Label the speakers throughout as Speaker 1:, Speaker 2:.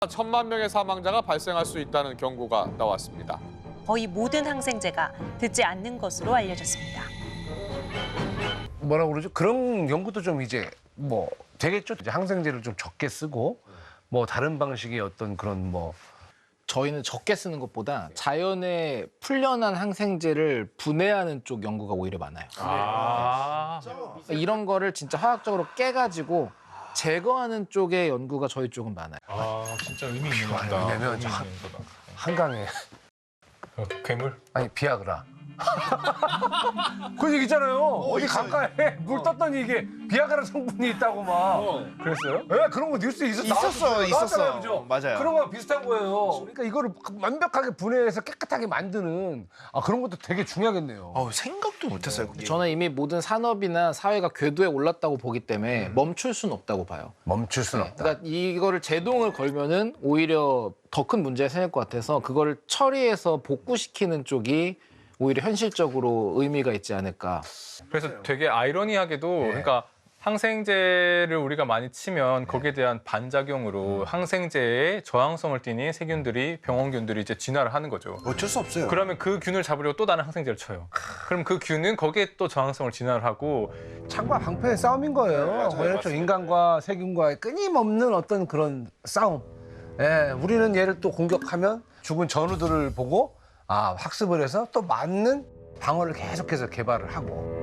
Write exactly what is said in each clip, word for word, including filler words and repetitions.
Speaker 1: 천만 명의 사망자가 발생할 수 있다는 경고가 나왔습니다.
Speaker 2: 거의 모든 항생제가 듣지 않는 것으로 알려졌습니다.
Speaker 3: 뭐라고 그러죠? 그런 연구도 좀 이제 뭐 되겠죠. 이제 항생제를 좀 적게 쓰고 뭐 다른 방식의 어떤 그런 뭐
Speaker 4: 저희는 적게 쓰는 것보다 자연에 풀려난 항생제를 분해하는 쪽 연구가 오히려 많아요.
Speaker 5: 아.
Speaker 4: 이런 거를 진짜 화학적으로 깨가지고 제거하는 쪽의 연구가 저희 쪽은 많아요.
Speaker 5: 아, 진짜 의미 있는 거다.
Speaker 3: 왜냐면
Speaker 5: 의미
Speaker 3: 저-
Speaker 5: 있는 거다.
Speaker 3: 한강에
Speaker 5: 어, 괴물?
Speaker 3: 아니 비아그라. 그 얘기 있잖아요. 어디 강가에 물 떴더니 이게 비아그라 성분이 있다고 막.
Speaker 5: 그랬어요?
Speaker 3: 예, 그런 거 뉴스에 있었,
Speaker 6: 있었어요,
Speaker 3: 나왔었어요.
Speaker 6: 있었어요.
Speaker 3: 나왔잖아요, 그죠?
Speaker 6: 맞아요.
Speaker 3: 그런 거랑 비슷한 거예요. 그러니까 이거를 완벽하게 분해해서 깨끗하게 만드는 아, 그런 것도 되게 중요하겠네요.
Speaker 6: 어, 생각도 못했어요.
Speaker 4: 저는 이미 모든 산업이나 사회가 궤도에 올랐다고 보기 때문에 멈출 수는 없다고 봐요.
Speaker 3: 멈출 수는 없다.
Speaker 4: 그러니까 이거를 제동을 걸면은 오히려 더 큰 문제가 생길 것 같아서 그거를 처리해서 복구시키는 쪽이 오히려 현실적으로 의미가 있지 않을까.
Speaker 5: 그래서 되게 아이러니하게도 그러니까 항생제를 우리가 많이 치면 거기에 대한 반작용으로 항생제의 저항성을 띠는 세균들이 병원균들이 이제 진화를 하는 거죠.
Speaker 6: 어쩔 수 없어요.
Speaker 5: 그러면 그 균을 잡으려고 또 다른 항생제를 쳐요. 그럼 그 균은 거기에 또 저항성을 진화를 하고
Speaker 3: 창과 방패의 싸움인 거예요. 그렇죠. 인간과 세균과의 끊임없는 어떤 그런 싸움. 예, 우리는 얘를 또 공격하면 죽은 전우들을 보고 아, 학습을 해서 또 맞는 방어를 계속해서 개발을 하고.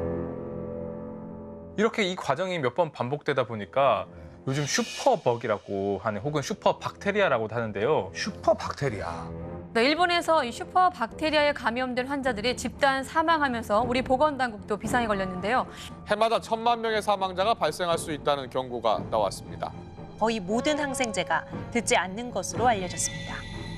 Speaker 5: 이렇게 이 과정이 몇 번 반복되다 보니까 요즘 슈퍼벅이라고 하는 혹은 슈퍼박테리아라고도 하는데요.
Speaker 3: 슈퍼 박테리아.
Speaker 7: 네, 일본에서 이 슈퍼 박테리아에 감염된 환자들이 집단 사망하면서 우리 보건당국도 비상에 걸렸는데요.
Speaker 1: 해마다 천만 명의 사망자가 발생할 수 있다는 경고가 나왔습니다.
Speaker 2: 거의 모든 항생제가 듣지 않는 것으로 알려졌습니다.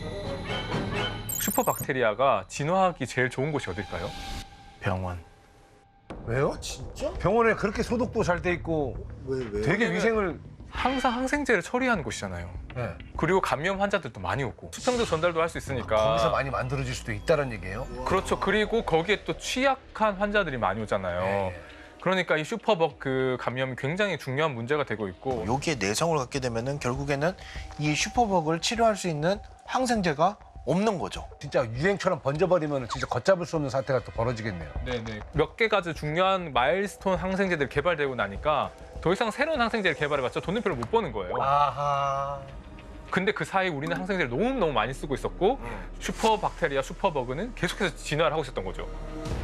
Speaker 5: 슈퍼박테리아가 진화하기 제일 좋은 곳이 어딜까요?
Speaker 4: 병원.
Speaker 3: 왜요?
Speaker 6: 진짜?
Speaker 3: 병원에 그렇게 소독도 잘 돼 있고
Speaker 6: 왜, 왜?
Speaker 3: 되게 위생을
Speaker 5: 항상 항생제를 처리하는 곳이잖아요.
Speaker 3: 예.
Speaker 5: 그리고 감염 환자들도 많이 오고 수평도 전달도 할 수 있으니까.
Speaker 3: 거기서 많이 만들어질 수도 있다는 얘기예요.
Speaker 5: 그렇죠. 그리고 거기에 또 취약한 환자들이 많이 오잖아요.
Speaker 3: 예.
Speaker 5: 그러니까 이 슈퍼벅 그 감염이 굉장히 중요한 문제가 되고 있고
Speaker 6: 여기에 내성을 갖게 되면은 결국에는 이 슈퍼벅을 치료할 수 있는 항생제가 없는 거죠.
Speaker 3: 진짜 유행처럼 번져버리면 진짜 걷잡을 수 없는 사태가 또 벌어지겠네요.
Speaker 5: 네네. 몇 개가지 중요한 마일스톤 항생제들이 개발되고 나니까 더 이상 새로운 항생제를 개발해봤자 돈을 별로 못 버는 거예요.
Speaker 3: 아하.
Speaker 5: 근데 그 사이 우리는 항생제를 너무너무 많이 쓰고 있었고 슈퍼박테리아, 슈퍼버그는 계속해서 진화를 하고 있었던 거죠.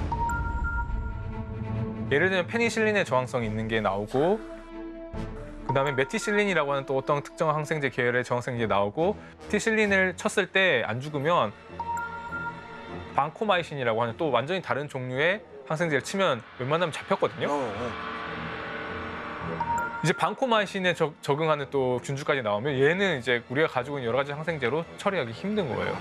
Speaker 5: 예를 들면 페니실린의 저항성이 있는 게 나오고 그다음에 메티실린이라고 하는 또 어떤 특정 항생제 계열의 저항성이 나오고 티실린을 쳤을 때 안 죽으면 방코마이신이라고 하는 또 완전히 다른 종류의 항생제를 치면 웬만하면 잡혔거든요. 이제 방코마이신에 적, 적응하는 또 균주까지 나오면 얘는 이제 우리가 가지고 있는 여러 가지 항생제로 처리하기 힘든 거예요.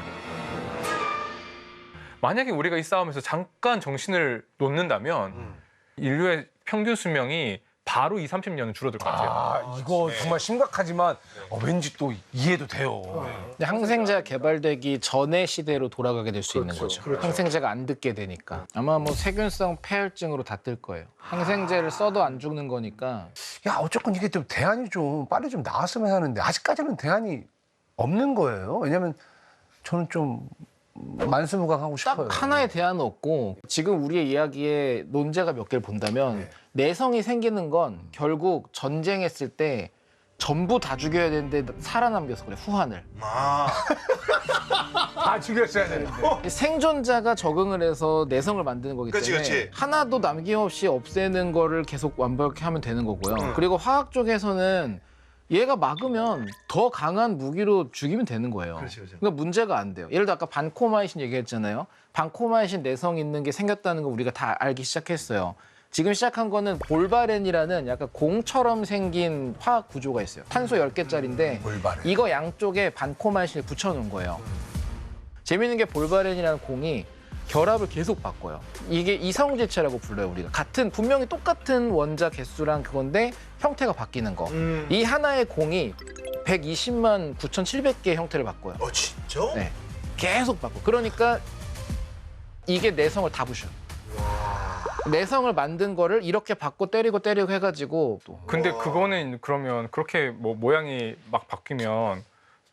Speaker 5: 만약에 우리가 이 싸움에서 잠깐 정신을 놓는다면 인류의 평균 수명이 바로 이십, 삼십 년은 줄어들 것 같아요.
Speaker 3: 아, 이거 정말 심각하지만 어, 왠지 또 이해도 돼요.
Speaker 4: 근데 항생제가 개발되기 전의 시대로 돌아가게 될 수 있는 거죠. 항생제가 안 듣게 되니까. 아마 뭐 세균성 폐혈증으로 다 뜰 거예요. 항생제를 써도 안 죽는 거니까.
Speaker 3: 야, 어쨌건 이게 좀 대안이 좀 빨리 좀 나왔으면 하는데 아직까지는 대안이 없는 거예요. 왜냐면 저는 좀 만수무강하고 싶어요.
Speaker 4: 딱 하나의 대안은 없고 지금 우리의 이야기에 논제가 몇 개를 본다면 내성이 생기는 건 결국 전쟁했을 때 전부 다 죽여야 되는데 살아남겨서 그래, 후환을.
Speaker 6: 아,
Speaker 3: 다 죽였어야 되는데.
Speaker 4: 생존자가 적응을 해서 내성을 만드는 거기
Speaker 6: 그치,
Speaker 4: 때문에
Speaker 6: 그치.
Speaker 4: 하나도 남김없이 없애는 거를 계속 완벽히 하면 되는 거고요. 그리고 화학 쪽에서는 얘가 막으면 더 강한 무기로 죽이면 되는 거예요.
Speaker 6: 그렇지, 그렇지.
Speaker 4: 그러니까 문제가 안 돼요. 예를 들어 아까 반코마이신 얘기했잖아요. 반코마이신 내성 있는 게 생겼다는 거 우리가 다 알기 시작했어요. 지금 시작한 거는 볼바렌이라는 약간 공처럼 생긴 화학 구조가 있어요. 탄소 열 개짜리인데
Speaker 3: 볼바렌.
Speaker 4: 이거 양쪽에 반코마이신을 붙여놓은 거예요. 재밌는 게 볼바렌이라는 공이 결합을 계속 바꿔요. 이게 이성질체라고 불러요, 우리가. 같은, 분명히 똑같은 원자 개수랑 그건데 형태가 바뀌는 거.
Speaker 6: 음.
Speaker 4: 이 하나의 공이 백이십만 구천칠백 개의 형태를 바꿔요.
Speaker 6: 어, 진짜?
Speaker 4: 네. 계속 바꿔. 그러니까 이게 내성을 다 부셔. 내성을 만든 거를 이렇게 바꿔 때리고 때리고 해가지고 또
Speaker 5: 근데 그거는 그러면 그렇게 뭐 모양이 막 바뀌면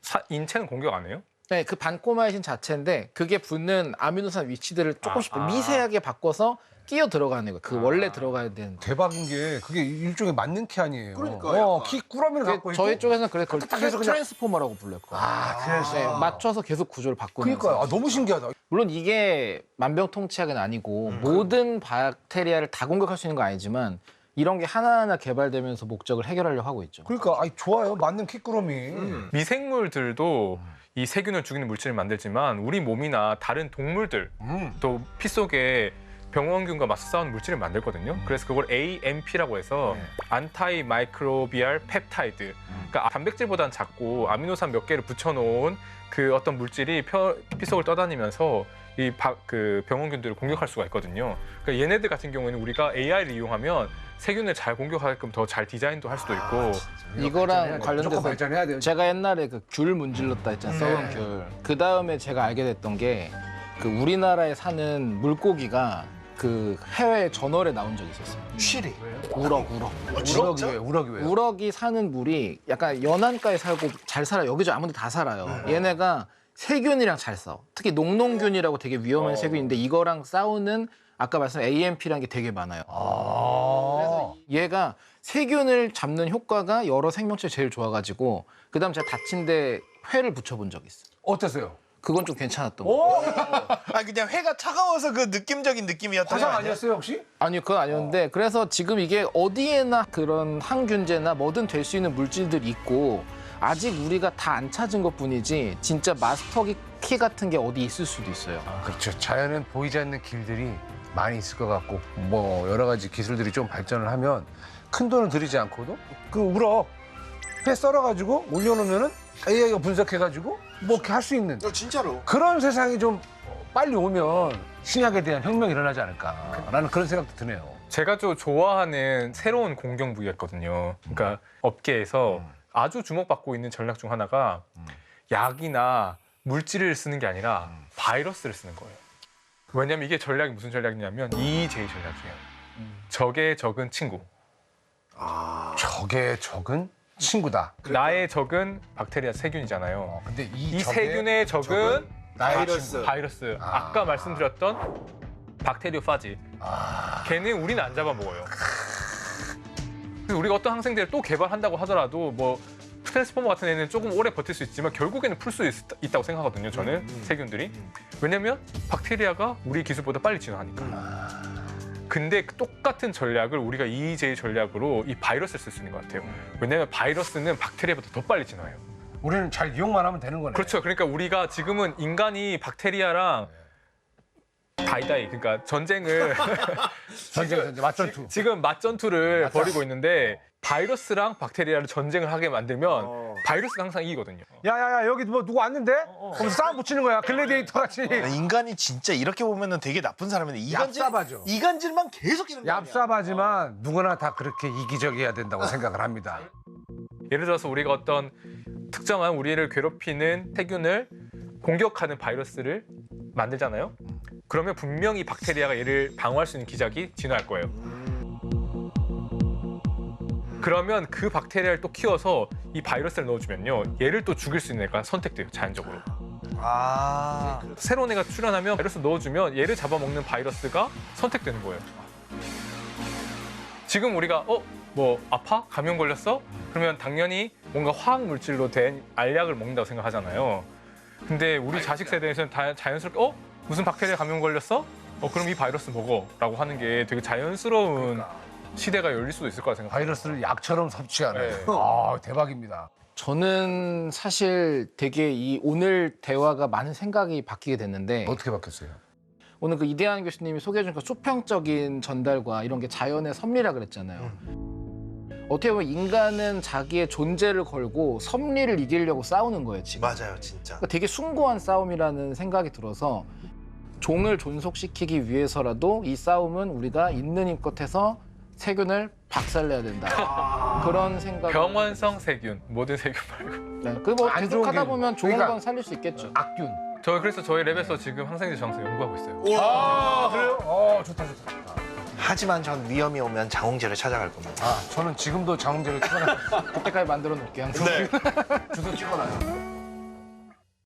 Speaker 5: 사- 인체는 공격 안 해요?
Speaker 4: 네, 그 반코마이신 자체인데 그게 붙는 아미노산 위치들을 조금씩 미세하게 바꿔서 끼어 들어가는 거예요. 그 원래 들어가야 되는.
Speaker 3: 대박인 게 그게 일종의 맞는 키 아니에요.
Speaker 6: 그러니까요.
Speaker 3: 어, 키 꾸러미를 갖고 있고.
Speaker 4: 저희 쪽에서는 그래 그걸
Speaker 3: 딱 해서
Speaker 4: 트랜스-
Speaker 3: 그냥-
Speaker 4: 트랜스포머라고 불러요. 그거.
Speaker 3: 아, 그래서.
Speaker 4: 네, 맞춰서 계속 구조를 바꾸는
Speaker 3: 그러니까요. 아, 너무 신기하다.
Speaker 4: 물론 이게 만병통치약은 아니고 모든 박테리아를 다 공격할 수 있는 건 아니지만 이런 게 하나하나 개발되면서 목적을 해결하려고 하고 있죠.
Speaker 3: 그러니까 아이, 좋아요. 맞는 키 꾸러미.
Speaker 5: 미생물들도 이 세균을 죽이는 물질을 만들지만 우리 몸이나 다른 동물들
Speaker 3: 음.
Speaker 5: 또 피 속에 병원균과 맞서 싸우는 물질을 만들거든요. 그래서 그걸 에이엠피라고 해서 안타이 마이크로비알 펩타이드. 그러니까 단백질보다는 작고 아미노산 몇 개를 붙여놓은 그 어떤 물질이 펴- 피 속을 떠다니면서 이 그 병원균들을 공격할 수가 있거든요. 그러니까 얘네들 같은 경우에는 우리가 에이아이를 이용하면 세균을 잘 공격하게끔 더 잘 디자인도 할 수도 있고.
Speaker 4: 이거랑
Speaker 3: 무조건
Speaker 4: 관련돼서
Speaker 3: 발전해야 돼요.
Speaker 4: 제가 옛날에 그 귤 문질렀다 했잖아요. 썩은 귤. 그 다음에 제가 알게 됐던 게 그 우리나라에 사는 물고기가 그 해외 저널에 나온 적이 있었어요.
Speaker 6: 쉬리.
Speaker 4: 우럭, 우럭.
Speaker 3: 우럭이 왜? 우럭이 왜?
Speaker 4: 우럭이 사는 물이 약간 연안가에 살고 잘 살아요. 여기저기 아무데 다 살아요. 얘네가 세균이랑 잘 싸워. 특히 농농균이라고 되게 위험한 세균인데 이거랑 싸우는 아까 말씀한 에이엠피라는 게 되게 많아요.
Speaker 3: 아.
Speaker 4: 얘가 세균을 잡는 효과가 여러 생명체 제일 좋아가지고 그다음 제가 다친 데 회를 붙여본 적이 있어요.
Speaker 3: 어땠어요?
Speaker 4: 그건 좀 괜찮았던 거.
Speaker 6: 아 그냥 회가 차가워서 그 느낌적인 느낌이었던 거
Speaker 3: 화상
Speaker 6: 아니야?
Speaker 3: 아니었어요 혹시?
Speaker 4: 아니요, 그건 아니었는데 그래서 지금 이게 어디에나 그런 항균제나 뭐든 될 수 있는 물질들이 있고 아직 우리가 다 안 찾은 것뿐이지 진짜 마스터 키 같은 게 어디 있을 수도 있어요.
Speaker 3: 그렇죠. 자연은 보이지 않는 길들이 많이 있을 것 같고 뭐 여러 가지 기술들이 좀 발전을 하면 큰 돈을 들이지 않고도 그 우럭 회 썰어가지고 올려놓으면은 에이아이가 분석해가지고 뭐 이렇게 할 수 있는
Speaker 6: 어, 진짜로.
Speaker 3: 그런 세상이 좀 빨리 오면 신약에 대한 혁명이 일어나지 않을까라는 그런 생각도 드네요.
Speaker 5: 제가 좀 좋아하는 새로운 공격 부위였거든요. 그러니까 업계에서 아주 주목받고 있는 전략 중 하나가 약이나 물질을 쓰는 게 아니라 바이러스를 쓰는 거예요. 왜냐면 이게 전략이 무슨 전략이냐면 이이제이 전략이에요. 적의 적은 친구.
Speaker 3: 적의 적은 친구다.
Speaker 5: 나의 적은 박테리아 세균이잖아요.
Speaker 3: 어, 근데 이,
Speaker 5: 이
Speaker 3: 적의
Speaker 5: 세균의 적은
Speaker 3: 나의
Speaker 6: 바이러스.
Speaker 3: 친구.
Speaker 5: 바이러스.
Speaker 3: 아.
Speaker 5: 아까 말씀드렸던 박테리오파지.
Speaker 3: 아,
Speaker 5: 걔는 우리는 안 잡아먹어요. 그래서 우리가 어떤 항생제를 또 개발한다고 하더라도 뭐 트랜스포머 같은 애는 조금 오래 버틸 수 있지만 결국에는 풀 수 있다고 생각하거든요. 저는 세균들이. 왜냐면 박테리아가 우리 기술보다 빨리 진화하니까. 근데 똑같은 전략을 우리가 이이제이 전략으로 이 바이러스를 쓸 수 있는 것 같아요. 왜냐면 바이러스는 박테리아보다 더 빨리 진화해요.
Speaker 3: 우리는 잘 이용만 하면 되는 거네.
Speaker 5: 그렇죠. 그러니까 우리가 지금은 인간이 박테리아랑 다이다이 그러니까 전쟁을
Speaker 3: 전쟁 전쟁 맞전투.
Speaker 5: 지금 맞전투를 벌이고 있는데 바이러스랑 박테리아를 전쟁을 하게 만들면 바이러스가 항상 이기거든요.
Speaker 3: 야야야 여기 뭐 누구 왔는데? 그럼 싸움 붙이는 거야. 글래디에이터 같이.
Speaker 6: 인간이 진짜 이렇게 보면은 되게 나쁜 사람인데 이간질,
Speaker 3: 얍삽하죠.
Speaker 6: 이간질만 계속 하는 거야.
Speaker 3: 얍삽하지만 누구나 다 그렇게 이기적이어야 된다고 생각을 합니다.
Speaker 5: 예를 들어서 우리가 어떤 특정한 우리를 괴롭히는 세균을 공격하는 바이러스를 만들잖아요. 그러면 분명히 박테리아가 얘를 방어할 수 있는 기작이 진화할 거예요. 그러면 그 박테리아를 또 키워서 이 바이러스를 넣어주면요. 얘를 또 죽일 수 있는 애가 선택돼요. 자연적으로.
Speaker 6: 아.
Speaker 5: 새로운 애가 출현하면 바이러스 넣어주면 얘를 잡아먹는 바이러스가 선택되는 거예요. 지금 우리가 어? 뭐 아파? 감염 걸렸어? 그러면 당연히 뭔가 화학 물질로 된 알약을 먹는다고 생각하잖아요. 근데 우리 자식 세대에서는 다 자연스럽게 어? 무슨 박테리아 감염 걸렸어? 어 그럼 이 바이러스 먹어 라고 하는 게 되게 자연스러운 시대가 열릴 수도 있을 거라 생각해요.
Speaker 3: 바이러스를 약처럼 섭취하는.
Speaker 5: 네.
Speaker 3: 아 대박입니다.
Speaker 4: 저는 사실 되게 이 오늘 대화가 많은 생각이 바뀌게 됐는데
Speaker 3: 어떻게 바뀌었어요?
Speaker 4: 오늘 그 이대한 교수님이 소개해 준 그 수평적인 전달과 이런 게 자연의 섭리라 그랬잖아요. 어떻게 보면 인간은 자기의 존재를 걸고 섭리를 이기려고 싸우는 거예요, 지금.
Speaker 6: 맞아요, 진짜.
Speaker 4: 그러니까 되게 숭고한 싸움이라는 생각이 들어서 종을 존속시키기 위해서라도 이 싸움은 우리가 있는 힘껏해서 세균을 박살내야 된다. 그런 생각.
Speaker 5: 병원성 세균, 모든 세균 말고.
Speaker 4: 네, 그뭐
Speaker 3: 안
Speaker 4: 계속
Speaker 3: 좋은
Speaker 4: 하다
Speaker 3: 균.
Speaker 4: 보면 좋은
Speaker 3: 그러니까
Speaker 4: 건 살릴 수 있겠죠.
Speaker 3: 악균.
Speaker 5: 저 그래서 저희 랩에서 지금 항생제 저항성 연구하고 있어요.
Speaker 3: 아 그래요? 어 좋다 좋다.
Speaker 6: 하지만 전 위험이 오면 장홍제를 찾아갈 겁니다.
Speaker 3: 아 저는 지금도 장홍제를 찍어놔.
Speaker 4: 그때까지 만들어 놓을게요. 항상.
Speaker 3: 주소 찍어놔요.